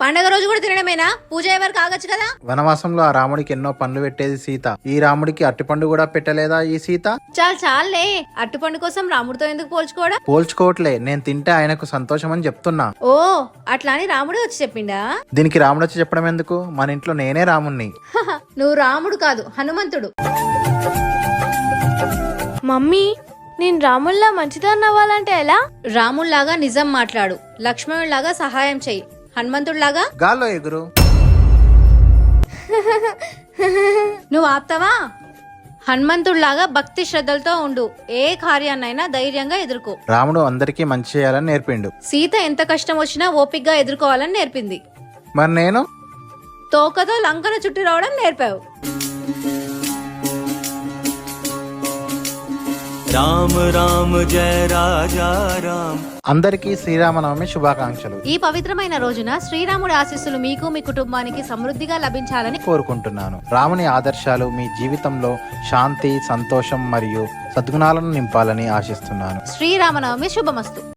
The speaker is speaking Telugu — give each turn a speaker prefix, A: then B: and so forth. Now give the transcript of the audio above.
A: పండగ రోజు కూడా తినడమేనా? పూజ ఎవరు కాగచ్చు కదా.
B: వనవాసంలో ఆ రాముడికి ఎన్నో పండ్లు పెట్టేది సీత. ఈ రాముడికి అట్టిపండు కూడా పెట్టలేదా ఈ సీత?
A: చాలే, అట్టుపండు కోసం రాముడితో ఎందుకు పోల్చుకోవడం?
B: పోల్చుకోవట్లే, నేను తింటే ఆయనకు సంతోషం అని చెప్తున్నా.
A: ఓ అట్లా అని రాముడే వచ్చి చెప్పిండా?
B: దీనికి రాముడు వచ్చి చెప్పడం ఎందుకు? మన ఇంట్లో నేనే రాముణ్ణి.
A: నువ్వు రాముడు కాదు, హనుమంతుడు.
C: మమ్మీ, నేను రాముల్లా మంచిదాన్ని అవ్వాలంటే ఎలా?
A: రాముళ్లాగా నిజం మాట్లాడు, లక్ష్మణుడిలాగా సహాయం చెయ్యి, హనుమంతుడిలాగా
B: గాల్లో ఎగురు.
A: నువ్వు ఆప్తావా? హనుమంతుడిలాగా భక్తి శ్రద్ధలతో ఉండు, ఏ కార్యాన్నైనా ధైర్యంగా ఎదుర్కో.
B: రాముడు అందరికీ మంచి చేయాలని నేర్పిండు.
A: సీత ఎంత కష్టం వచ్చినా ఓపిగ్గా ఎదుర్కోవాలని నేర్పింది.
B: మరి నేను
A: తోకతో లంకను చుట్టి రావడం నేర్పావు.
D: రామ రామ జయ రాజా రామ్.
B: అందరికీ శ్రీరామనవమి శుభాకాంక్షలు.
A: ఈ పవిత్రమైన రోజున శ్రీరాముడి ఆశీస్సులు మీకు మీ కుటుంబానికి సమృద్ధిగా లభించాలని
B: కోరుకుంటున్నాను. రాముని ఆదర్శాలు మీ జీవితంలో శాంతి, సంతోషం మరియు సద్గుణాలను నింపాలని ఆశిస్తున్నాను.
A: శ్రీరామనవమి శుభమస్తు.